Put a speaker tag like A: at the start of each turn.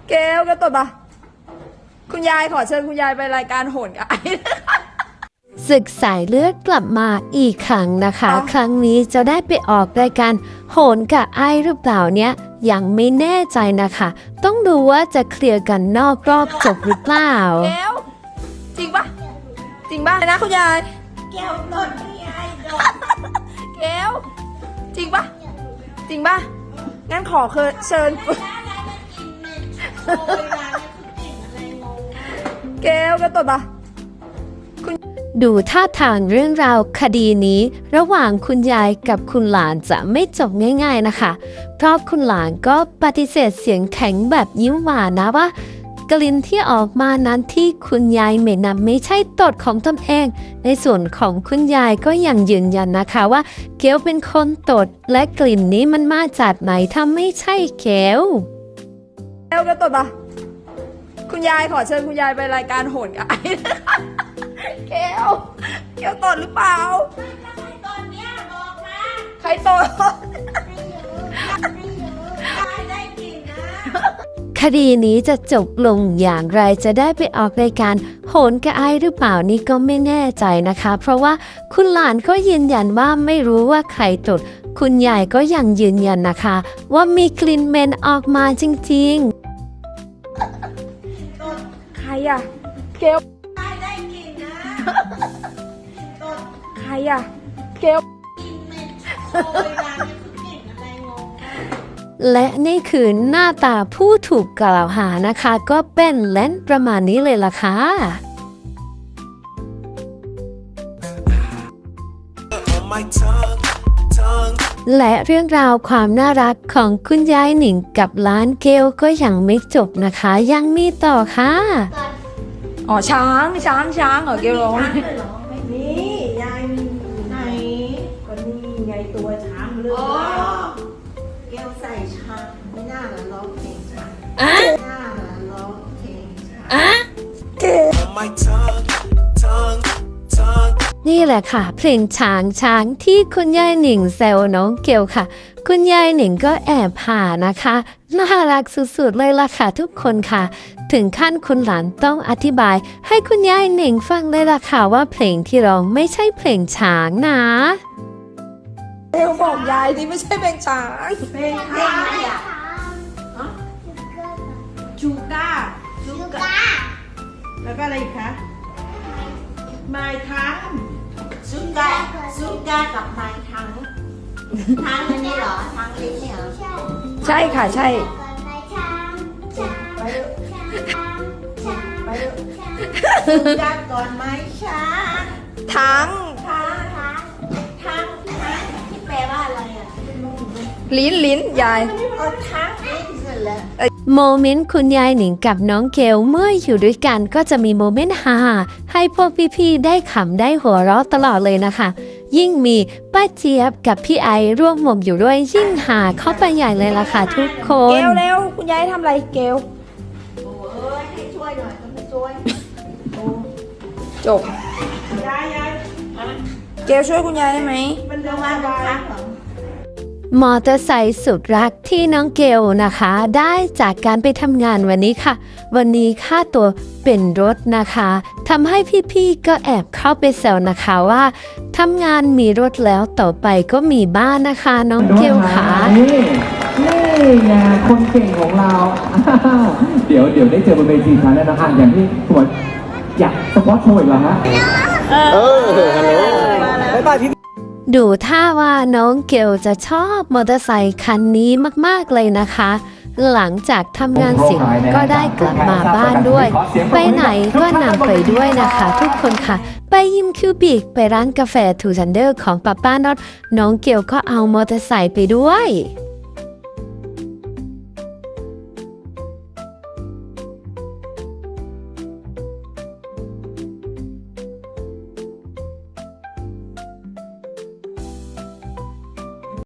A: เกลก็ตัวปะคุณยายขอเชิญคุณยายไปรายการโหนกับไอ้
B: ศึกสายเลือดกลับมาอีกครั้งนะคะ ครั้งนี้จะได้ไปออกรายการโหนกับไอ้หรือเปล่าเนี่ยยังไม่แน่ใจนะคะ ต้องดูว่าจะเคลียร์กันนอกรอบจบหรือเปล่า
A: เกลจริงปะจริงปะนะคุณยาย
C: แก้วตดพี่ไอ้โดน
A: เกลจริงปะจริงปะงั้นขอเชิญ
C: ร้านอะไรมันกลิ่นเหม็นโชยร้านนี้คือกลิ่นอะไรงงมาก
A: เกลก็ตัวปะ
B: ดูท่าทางเรื่องราวคดีนี้ระหว่างคุณยายกับคุณหลานจะไม่จบง่ายๆนะคะ เพราะคุณหลานก็ปฏิเสธเสียงแข็งแบบยิ้มหวานนะว่ากลิ่นที่ออกมานั้นที่คุณยายเหม็นนั้นไม่ใช่ตดของตนเอง ในส่วนของคุณยายก็ยังยืนยันนะคะว่าเกลเป็นคนตดและกลิ่นนี้มันมาจากไหนถ้าไม่ใช่เกล
A: เกลก็ตัวปะคุณยายขอเชิญคุณยายไปรายการโหนกับไอ้ เกลตดหรือเปล่า
C: แล้วใครตอนเนี้ยบอกมา
A: ใครตด
C: ไม่เยอะไม่เยอะได้กลิ่นนะ
B: คดีนี้จะจบลงอย่างไรจะได้ไปออกรายการโหนกระไอหรือเปล่านี่ก็ไม่แน่ใจนะคะ เพราะว่าคุณหลานก็ยืนยันว่าไม่รู้ว่าใครตดคุณยายก็ยังยืนยันนะคะ ว่ามีกลิ่นเหม็นออกมาจริงๆ
A: ใครอะเกล
C: ได้กลิ่นนะตด
A: ใครอะเกล
C: กลิ่นเหม็นโชยร้านนี้คือกลิ่นอะไรงงมาก
B: และนี่คือหน้าตาผู้ถูกกล่าวหานะคะ ก็เป็นแลนประมาณนี้เลยล่ะค่ะ
D: on my tongue.
B: และเรื่องราวความน่ารักของคุณยายหนิงกับร้านเกลก็ยังไม่จบนะคะ ยังมีต่อค่ะ
A: อ๋อช้างเหรอเกลร้อง
E: ไม่มียายมี
C: ไหน
E: ก็นี่ไงตัวช้างเลือ
C: อ๋อ
E: ด
C: แก้วใส่ชามไม่น่าละร้องเพลงชามไม่น่าละร้องเพลงชาม
D: On my tongue.
B: นี่แหละค่ะ เพลงช้างที่คุณยายหนิงแซวน้องเกลค่ะ คุณยายหนิงก็แอบผ่านะคะน่ารักสุดๆเลยล่ะค่ะทุกคนค่ะ ถึงขั้นคุณหลานต้องอธิบาย ให้คุณยายหนิงฟังเลยล่ะค่ะว่าเพลงที่ร้องไม่ใช่เพลงช้างนะ
A: เกลบอกยายที่ไม่ใช่เป็นช้าง
E: เพลง
C: เพลงอะไรอ่ะ
E: ชูก้าชูก้าแล้วก็อะไรอีกคะไม้ทั้ง
C: ซุก้ากับไม้ทั้งทั้งอันนี้เหรอทั้งลิ้นเนี่ยเหรอ
A: ใช่ค่ะใช่
E: ไปเถอะไปเถอะ
C: ซุก้าก่อนไม้ช้าง
A: ทั้ง
C: ทั้งที่แปลว่าอะไรอ่ะ
A: ลิ้นยาย
C: ทั้งลิ้นเสร็จแล้ว
B: โมเมนต์คุณยายหนิงกับน้องเกลเมื่ออยู่ด้วยกันก็จะมีโมเมนต์ฮาให้พวกพี่ๆได้ขำได้หัวเราะตลอดเลยนะคะ ยิ่งมีป้าเจี๊ยบกับพี่ไอร่วมวงอยู่ด้วยยิ่งหาเข้าไปใหญ่เลยล่ะค่ะทุกค
A: เก
B: น
A: ลเร็วคุณยายทำอะไรเกล
C: โอ้ยให้ช่วยหน่อยก็ไม่ช่วย
A: จบ
E: ยาย
A: เกลช่วยคุณยายได้ไหม
E: มัน
C: โร
E: เรื่อง
C: งงาน
E: วา
C: มัน
E: ย
C: ค้างเหรอ
B: มอเตอร์ไซค์สุดรักที่น้องเกลนะคะ ได้จากการไปทำงานวันนี้ค่ะ วันนี้ค่าตัวเป็นรถนะคะทำให้พี่ๆก็แอบเข้าไปแซวนะคะว่าทำงานมีรถแล้วต่อไปก็มีบ้านนะคะน้องเกลค่ะ
F: นี่ไงคนเก่งของเรา เดี๋ยวได้เจอบนเวทีครั้งแน่นอนอย่างที่คุณหมออยากสปอตโชว์อีกแล้วฮะ
B: ดูท่าว่าน้องเกลจะชอบมอเตอร์ไซค์คันนี้มากๆเลยนะคะ หลังจากทำงานเสร็จก็ได้กลับมาบ้านด้วย ไปไหนก็นำไปด้วยนะคะทุกคนค่ะ ไปยิมคิวบิกไปร้านกาแฟทูซันเดอร์ของป้าน็อตน้องเกลก็เอามอเตอร์ไซค์ไปด้วย